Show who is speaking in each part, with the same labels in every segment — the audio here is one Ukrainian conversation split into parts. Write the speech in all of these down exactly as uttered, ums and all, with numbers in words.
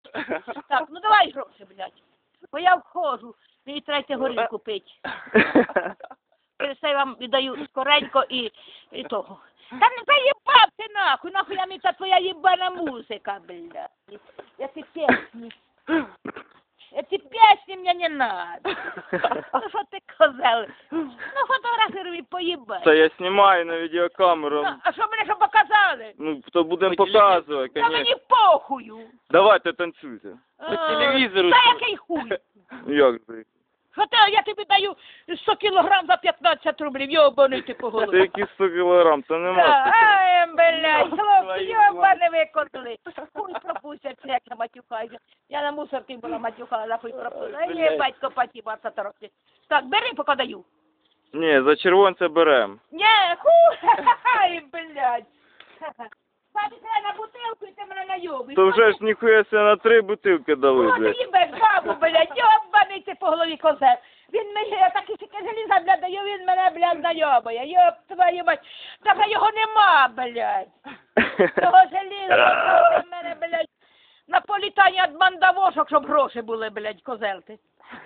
Speaker 1: Так, ну давай гроші, блядь. Бо я входжу, мені третє горілку пить. Все вам віддаю скоренько і, і того. Та не заїбав ти нахуй, нахуй я мені та твоя їбана музика, блядь. Эти песни. Эти песни мне не надо. Ну що ти козел? Ну фотографируй поїбай.
Speaker 2: Це я знімаю на відеокамеру.
Speaker 1: Ну, а що мене що показали?
Speaker 2: Ну, то будемо показувати,
Speaker 1: Та
Speaker 2: конечно.
Speaker 1: мені похую.
Speaker 2: Давайте танцюйте.
Speaker 1: По
Speaker 2: телевізору.
Speaker 1: Та який хуй?
Speaker 2: Як це?
Speaker 1: Що ти, я тобі даю сто кілограм за п'ятнадцять рублів, йобаний ти по
Speaker 2: Це
Speaker 1: голові.
Speaker 2: які сто кілограм, то нема.
Speaker 1: Ай, блядь, хлопці,
Speaker 2: Твої
Speaker 1: йобане викотили. Хуй пропустять, як я матюхаюся. Я на мусорці була матюхала, хуй пропустила. Ай, є батько паті, баса торохти. Так, бери, поки даю.
Speaker 2: Ні, за червонця берем.
Speaker 1: Нє, хуй, ай, блядь. Бабі, треба на бутилку і ти мене найобиш.
Speaker 2: То вже ж ніхуя себе на три бутилки дали,
Speaker 1: О, ти
Speaker 2: блядь.
Speaker 1: їбеш бабу, блядь, йобаний ти по голові козел. Він мені, я такі сіки желіза, блядь, даю, він мене, блядь, найобує. Йоб твою мать. Та вже його нема, блядь. Того желіза, в мене, блядь, на політання від мандавошок, щоб гроші були, блядь, козел ти.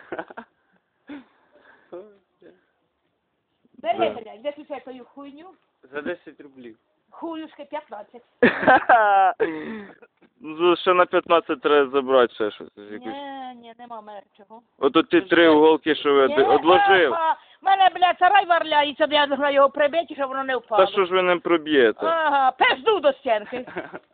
Speaker 1: Бери, блядь, виключай твою хуйню.
Speaker 3: За десять рублів.
Speaker 1: Хуюшки п'ятнадцять.
Speaker 2: Ну, ще на п'ятнадцять треба забрати ще щось. якусь.
Speaker 1: Ні, ні, нема в мене чого.
Speaker 2: Ото ті три уголки, що ви
Speaker 1: Ні,
Speaker 2: одложив.
Speaker 1: ага. Мене, блядь, сарай варляється, я должна його прибити, щоб воно не впало.
Speaker 2: Та що ж ви не проб'єте?
Speaker 1: Ага, пизду до стінки.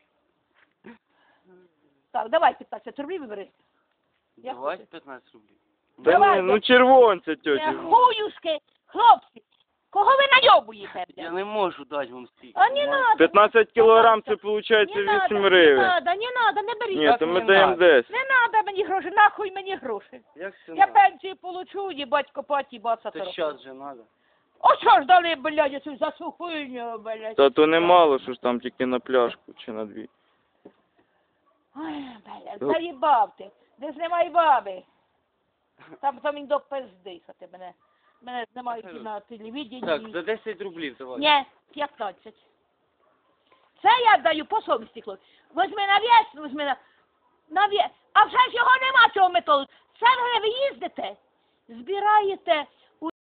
Speaker 1: Так, давай п'ятнадцять рублів вибери. Я
Speaker 3: Давай
Speaker 1: хочу.
Speaker 3: п'ятнадцять рублів.
Speaker 2: Та
Speaker 1: Давайте.
Speaker 2: ні, ну червонця,
Speaker 1: Е,
Speaker 2: тьоті.
Speaker 1: Хуюшки, хлопці, кого ви найобуєте,
Speaker 3: Я
Speaker 1: блядь?
Speaker 3: не можу дати вам стільки.
Speaker 1: А не надо.
Speaker 2: п'ятнадцять кілограм, це виходить
Speaker 1: Не надо,
Speaker 2: вісім
Speaker 1: не
Speaker 2: гривень.
Speaker 1: надо, не надо, не беріть.
Speaker 2: Ні, то ми даємо десять.
Speaker 1: Не надо мені гроші, нахуй мені гроші.
Speaker 3: Як це
Speaker 1: Я
Speaker 3: надо?
Speaker 1: пенсію получу, їбать копаті, баса
Speaker 3: Це
Speaker 1: тороху.
Speaker 3: щас же надо.
Speaker 1: О, що ж дали, блядь, цю за цю хуйню, блядь.
Speaker 2: Та то немало, що ж там тільки на пляшку чи на дві.
Speaker 1: Ой, блядь, заїбав ти. Де ж немає баби? Там там він до пизди, що ти мене. Мене знімають на телевіденні.
Speaker 3: Так, за десять рублів давай.
Speaker 1: Ні, п'ятнадцять. Це я даю по совісті, хлопці. Возьми на вес, возьми на... на вес. А вже ж його нема цього методу. Це вже ви їздите, збираєте